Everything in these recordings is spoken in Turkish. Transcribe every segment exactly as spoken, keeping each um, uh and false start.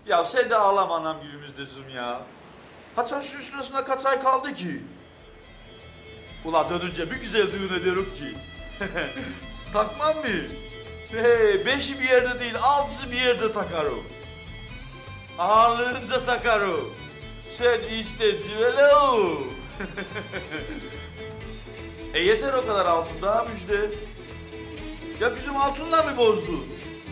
Ya sen de ağlama anam günümüzdezim ya. Hatta şu üstüne kaç ay kaldı ki? Ula dönünce bir güzel düğün ederim ki. Takmam mı? Hey, beşi bir yerde değil, altısı bir yerde takarım. Ağırlığınca takarım. Sen iste civelo. E yeter o kadar altın daha müjde. Ya bizim altınla mı bozdun?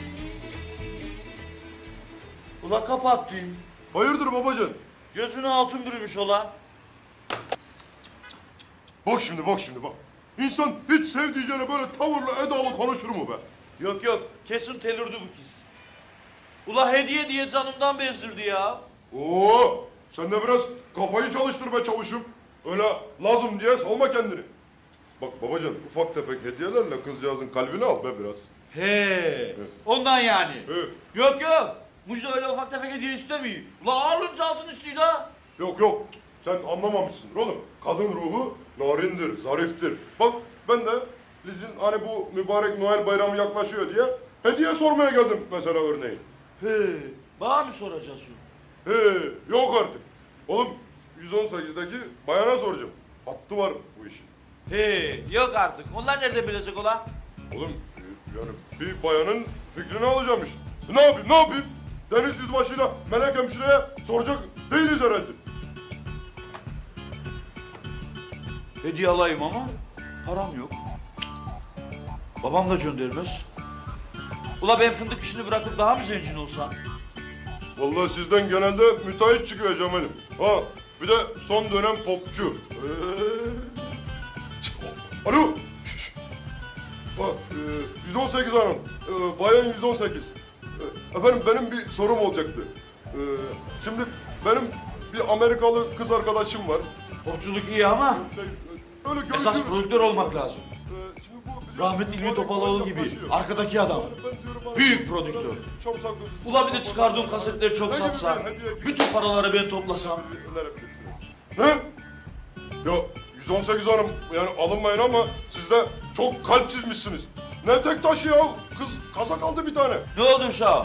Ula kapattı. Hayırdır babacan? Gözüne altın bürümüş olan. Bak şimdi bak şimdi bak. İnsan hiç sevdiceğine böyle tavırlı edalı konuşur mu be? Yok yok, kesin telürdü bu kız. Ula hediye diye canımdan bezdirdi ya. Oo, sen de biraz kafayı çalıştır be çavuşum. Öyle lazım diye salma kendini. Bak babacan ufak tefek hediyelerle kızcağızın kalbini al be biraz. He, ondan yani. He. Yok yok, Mucda öyle ufak tefek hediye istemiyor. Ula ağırlığınca altın istiyor da. Yok yok sen anlamamışsın oğlum. Kadın ruhu narindir, zariftir. Bak ben de Liz'in hani bu mübarek Noel bayramı yaklaşıyor diye hediye sormaya geldim mesela örneğin. He, bana mı soracaksın? He, yok artık. Oğlum yüz on sekizdeki bayana soracağım. Hattı var bu işin. He, yok artık. Onlar nerede bilecek ola? Oğlum yani bir bayanın fikrini alacağım işte. Ne yapayım ne yapayım? Deniz yüzbaşıyla Melek hemşireye soracak değiliz herhalde. Hediye alayım ama param yok. Babam da göndermez. Ula ben fındık işini bırakıp daha mı zengin olsam? Vallahi sizden genelde müteahhit çıkıyor Cemal'im. Ha bir de son dönem popçu. Ee... Alo. Şş. Ha, e, yüz on sekiz hanım. E, bayan yüz on sekiz. E, efendim benim bir sorum olacaktı. E, şimdi benim bir Amerikalı kız arkadaşım var. Popçuluk iyi ama E, öyle esas görüşürüz. prodüktör olmak lazım. E, şimdi bu- Rahmetli İlmi Topaloğlu gibi yaklaşıyor. arkadaki adam. Ben diyorum abi, Büyük prodüktör. Çok saklı. Ula bir de çıkardığım kasetleri çok Ne gibi satsam, bir hediye gibi? bütün paraları ben toplasam. Ne? Ya yüz on sekiz hanım yani alınmayın ama siz de çok kalpsizmişsiniz. Ne tek taşı ya? Kız kazak aldı bir tane. Ne oldu uşağım?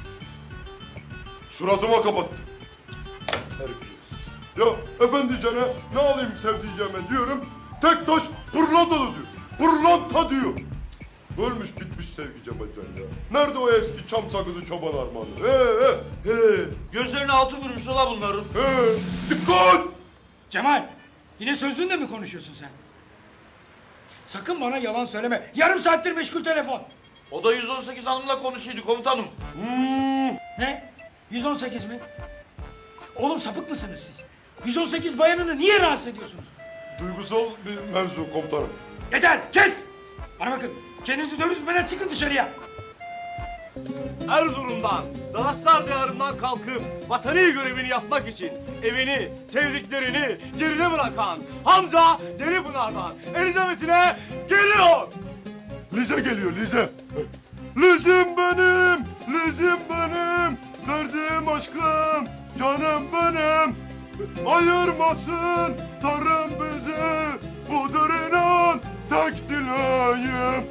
Suratıma kapattı. Terbiyesiz. Ya efendicene ne alayım sevdiceğime diyorum. Tek taş pırlantalı diyor. Pırlanta diyor. Ölmüş bitmiş sevgi Cemalcan ya. Nerede o eski çam sakızı çoban armağanı? He he he. Gözlerine altın vurmuş ola bunların. He. Dikkat! Cemal, yine sözlüğünle mi konuşuyorsun sen? Sakın bana yalan söyleme. Yarım saattir meşgul telefon. O da yüz on sekiz hanımla konuşuyordu komutanım. Hmm. Ne? yüz on sekiz mi? Oğlum sapık mısınız siz? yüz on sekiz bayanını niye rahatsız ediyorsunuz? Duygusal bir mevzu komutanım. Yeter, kes! Bana bakın, kendinizi dövüşmeden çıkın dışarıya. Erzurum'dan, Dağıstar diyarından kalkıp vatani görevini yapmak için evini, sevdiklerini geride bırakan Hamza Deripınar'dan Elizabeth'ine geliyor. Lize geliyor Lize. Lizim benim, Lizim benim, derdim aşkım, canım benim. Ayırmasın Tanrım bizi, budur inan tek dileğim.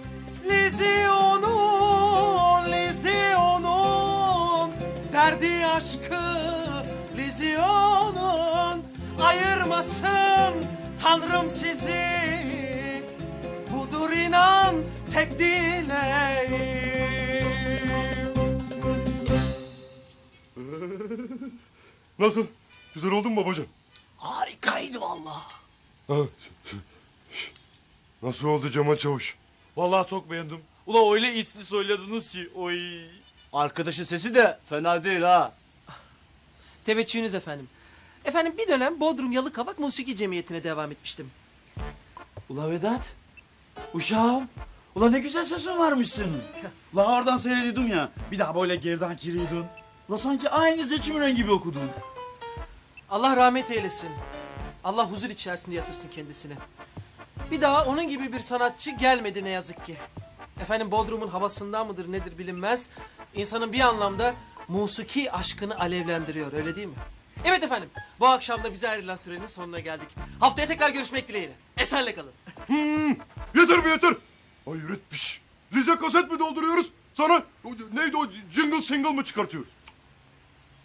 Lizyonun, Lizyonun derdi aşkı Lizyonun ayırmasın Tanrım sizi budur inan tek dileğim. Nasıl? Güzel oldu mu babacığım? Harikaydı vallahi. Ha, nasıl oldu Cemal Çavuş? Vallahi çok beğendim. Ula öyle içli söylediniz ki oy. Arkadaşın sesi de fena değil ha. Teveccühünüz efendim. Efendim bir dönem Bodrum Yalıkavak Musiki Cemiyeti'ne devam etmiştim. Ula Vedat. Uşağım. Ula ne güzel sesin varmış senin. Ula oradan seyrediyordum ya. Bir daha böyle geriden giriyordun. Ula sanki aynı seçim gibi okudun. Allah rahmet eylesin. Allah huzur içerisinde yatırsın kendisini. Bir daha onun gibi bir sanatçı gelmedi ne yazık ki. Efendim Bodrum'un havasından mıdır nedir bilinmez. İnsanın bir anlamda musiki aşkını alevlendiriyor öyle değil mi? Evet efendim bu akşam da bize ayrılan sürenin sonuna geldik. Haftaya tekrar görüşmek dileğiyle. Esenle kalın. Hmm, yeter be yeter. Hayret bir şey. Lize kaset mi dolduruyoruz? Sana o, neydi o jingle single mı çıkartıyoruz?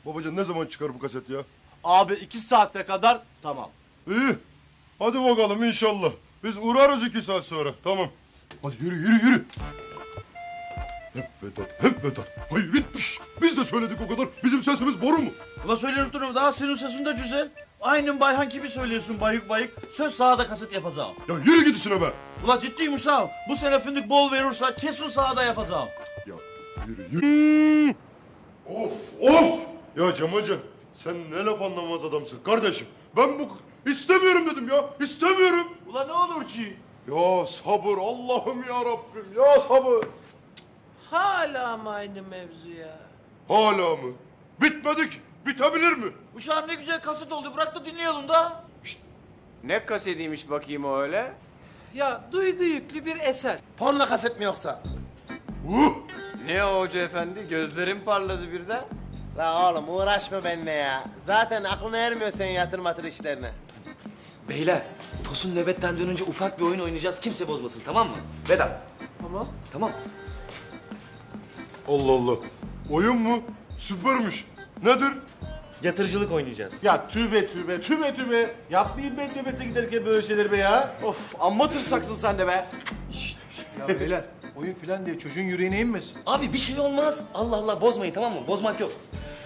Babacan ne zaman çıkar bu kaset ya? Abi iki saate kadar tamam. İyi. Hadi bakalım inşallah. Biz uğrarız iki saat sonra. Tamam. Hadi yürü yürü yürü. Hep Vedat, hep Vedat. Hayretmiş. Biz de söyledik o kadar. Bizim sesimiz boru mu? Ula söyleyip durum daha senin sesin de güzel. Aynen Bayhan gibi söylüyorsun bayık bayık. Söz sahada kaset yapacağım. Ya yürü git işine be. Ula ciddiyim Uşağım. Bu sene fındık bol verirse kesin sahada yapacağım. Ya yürü yürü. Of of. Ya Cemalcan sen ne laf anlamaz adamsın kardeşim. Ben bu istemiyorum dedim ya. İstemiyorum. Ula ne olur ki? Ya sabır Allah'ım ya Rabbim ya sabır. Hala mı aynı mevzu ya? Hala mı? Bitmedi ki. Bitebilir mi? Uşağım ne güzel kaset oldu. Bırak da dinleyelim da. Ne kasetiymiş bakayım o öyle? Ya duygu yüklü bir eser. Porno kaset mi yoksa? Uh! Ne o hoca efendi? Gözlerim parladı birden. La oğlum uğraşma benimle ya. Zaten aklına ermiyor senin yatır matır işlerine. Beyler, Tosun nöbetten dönünce ufak bir oyun oynayacağız. Kimse bozmasın, tamam mı? Vedat. Tamam. Tamam. Allah Allah. Oyun mu? Süpermiş. Nedir? Yatırıcılık oynayacağız. Ya tübe tübe tübe tübe. Yapmayın ben nöbete giderken böyle şeyler be ya. Of amma tırsaksın sen de be. Ya beyler oyun filan diye çocuğun yüreğine inmesin. Abi bir şey olmaz. Allah Allah bozmayın, tamam mı? Bozmak yok.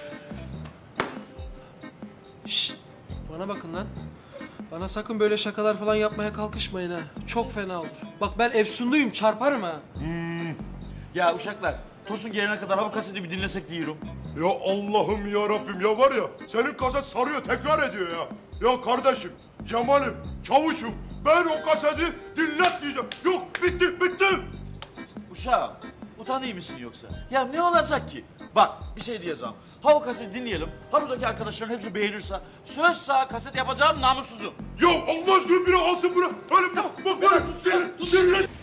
Şşt! Bana bakın lan. Bana sakın böyle şakalar falan yapmaya kalkışmayın ha. Çok fena olur. Bak ben efsunluyum, çarparım ha. Ya uşaklar. Tosun gelene kadar ha bu kaseti bir dinlesek diyorum. Ya Allah'ım ya Rabbim ya var ya senin kaset sarıyor tekrar ediyor ya. Ya kardeşim, Cemal'im, Çavuş'um ben o kaseti dinletmeyeceğim. Yok bitti bitti. Uşağım. Utanıyor musun yoksa? Ya ne olacak ki? Bak bir şey diyeceğim. Ha o kaseti dinleyelim. Ha buradaki arkadaşların hepsi beğenirse söz sağ kaset yapacağım namussuzum. Ya Allah aşkına biri alsın bunu. Öyle bir bak böyle dinle dinle.